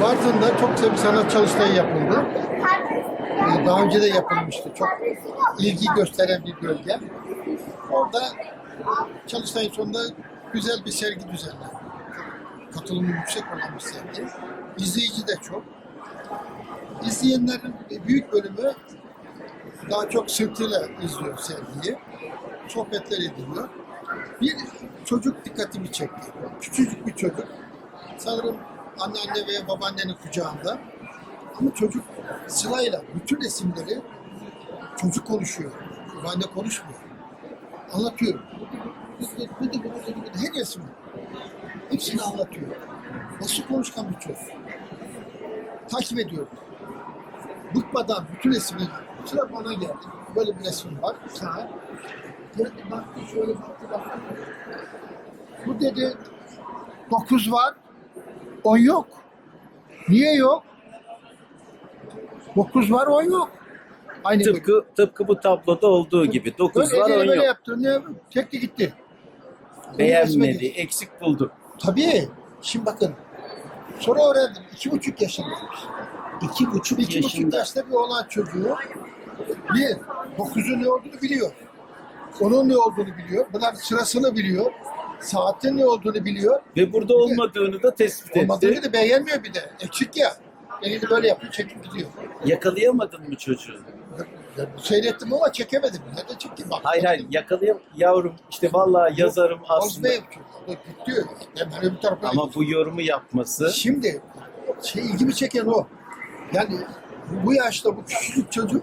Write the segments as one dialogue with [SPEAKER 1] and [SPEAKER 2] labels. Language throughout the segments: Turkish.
[SPEAKER 1] Bartın'da çok güzel bir sanat çalıştayı yapıldı. Daha önce de yapılmıştı. Çok ilgi gösteren bir bölge. Orada çalıştayın sonunda güzel bir sergi düzenlendi. Katılımı yüksek olan bir sergi. İzleyici de çok. İzleyenlerin büyük bölümü daha çok sırtıyla izliyor sergiyi. Sohbetler ediliyor. Bir çocuk dikkatimi çekti. Küçücük bir çocuk. Sanırım anneanne veya babaannenin kucağında. Ama çocuk sırayla bütün resimleri çocuk konuşuyor. Babaanne konuşmuyor. Anlatıyor. Her resim. Hepsini anlatıyor. Nasıl konuşkan bir çocuk. Takip ediyorum. Bıkmadan bütün resmi sıra bana geldi. Böyle bir resim var. Sana. Geldi baktı şöyle baktı. Bu dedi 9 var. 10 yok. Niye yok? 9 var 10 yok. Aynı
[SPEAKER 2] Tıpkı bu tabloda olduğu gibi. 9 var 10
[SPEAKER 1] böyle
[SPEAKER 2] yok.
[SPEAKER 1] yaptı. Ne? Çekti gitti.
[SPEAKER 2] Beğenmedi, eksik buldu.
[SPEAKER 1] Tabii. Şimdi bakın. Sonra öğrendim. 2,5 yaşındaymış. 2,5 yaşta bir olan çocuğu bir, 9'un ne olduğunu biliyor. Onun ne olduğunu biliyor. Bunlar sırasını biliyor. Saatin ne olduğunu biliyor.
[SPEAKER 2] Ve burada olmadığını da tespit
[SPEAKER 1] Olmadığını
[SPEAKER 2] etti.
[SPEAKER 1] da beğenmiyor bir de. Eksik ya. Elini böyle yapıyor, çekip gidiyor.
[SPEAKER 2] Yakalayamadın mı çocuğu?
[SPEAKER 1] Seyrettim ama çekemedim. Ne de çekeyim bak.
[SPEAKER 2] Hayır yavrum işte vallahi yazarım aslında.
[SPEAKER 1] Gidiyor. Ben öbür tarafa
[SPEAKER 2] Ama bu yorumu yapması
[SPEAKER 1] Şimdi ilgimi çeken o. Yani bu yaşta bu küçücük çocuk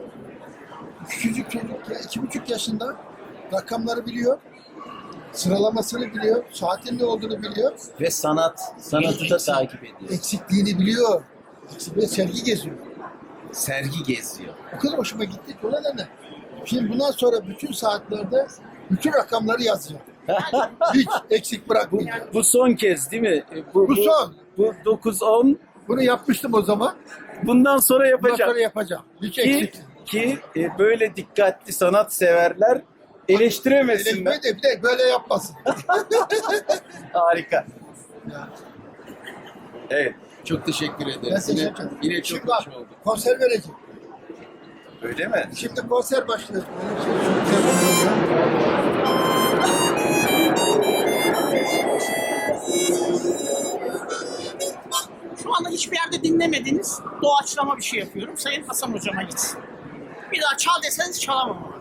[SPEAKER 1] ya 2,5 yaşında rakamları biliyor. Sıralamasını biliyor. Saatin ne olduğunu biliyor.
[SPEAKER 2] ve sanatı da takip ediyor.
[SPEAKER 1] Eksikliğini biliyor. Ve sergi geziyor.
[SPEAKER 2] Sergi geziyor.
[SPEAKER 1] O kadar hoşuma gitti ki o nedenle. Şimdi bundan sonra bütün saatlerde bütün rakamları yazacağım. Hiç eksik bırakmayacağım.
[SPEAKER 2] Bu son kez değil mi?
[SPEAKER 1] Bu son.
[SPEAKER 2] Bu 9-10
[SPEAKER 1] Bunu yapmıştım o zaman.
[SPEAKER 2] bundan sonra
[SPEAKER 1] Bundan
[SPEAKER 2] yapacağım.
[SPEAKER 1] sonra yapacağım. Hiç
[SPEAKER 2] Ki,
[SPEAKER 1] eksik.
[SPEAKER 2] böyle dikkatli sanat severler eleştiremesinler.
[SPEAKER 1] Eleştirme de bir de böyle yapmasın.
[SPEAKER 2] Harika. Evet.
[SPEAKER 3] Çok teşekkür
[SPEAKER 1] Ben
[SPEAKER 3] ederiz.
[SPEAKER 1] teşekkür ederim.
[SPEAKER 3] Yine çok
[SPEAKER 1] Şimdi bak,
[SPEAKER 3] hoş oldu.
[SPEAKER 1] konser vereceğim.
[SPEAKER 2] Öyle mi?
[SPEAKER 1] Şimdi konser başlıyor. Benim şey çok güzel oluyor.
[SPEAKER 4] Şu anda hiçbir yerde dinlemediğiniz doğaçlama bir şey yapıyorum. Sayın Hasan Hocama gitsin. Bir daha çal deseniz çalamam ama.